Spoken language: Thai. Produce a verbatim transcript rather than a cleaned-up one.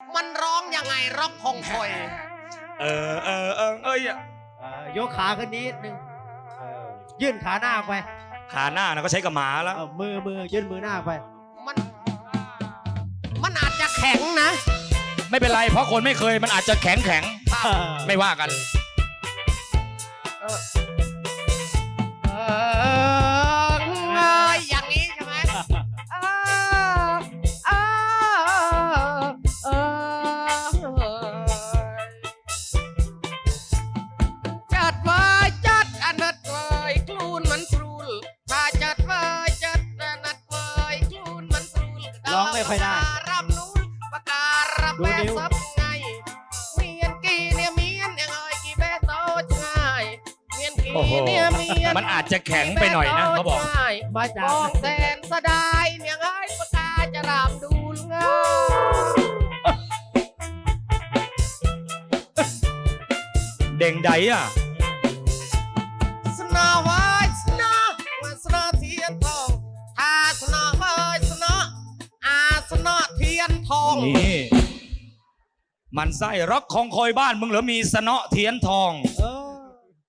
มันร้องยังไงร็อกคงคอยเออเออเออเอ้ยเอ่อยกขาขึ้นนิดนึงเออยื่นขาหน้าออกไปขาหน้านะก็ใช้กับหมาแล้วเอามือมือยื่นมือหน้าออกไปมันมันอาจจะแข็งนะไม่เป็นไรเพราะคนไม่เคยมันอาจจะแข็งแข็งไม่ว่ากันเออเออเอยอย่างนี้ใช่ไหมเออเออเออจัดไว้จัดอนัดไว้คลูนมันครูลถ้าจัดไว้จัดอนัดไว้คลูนมันครูลร้องไม่ค่อยได้รับนู้นปากการัดูบแม่นิ้วซับไงเมียนกีเนี่ยเมียนยังไงกี่แม่โตง่ายเมียนกีโอ้โหเนี่ยเมียนมันอาจจะแข็งไปหน่อยนะเขาบอกมาจากมองแสนสะดายเนี่ยไงปากกาจะรามดูลงาเด่งใดอ่ะสนาไว้สนาว่าสนาเทียนทองถ้าสนาไว้สนาอาสนาเทียนทองนี่มันไส้ร็อกของคอยบ้านมึงเหรอมีสนอเทียนทองเออ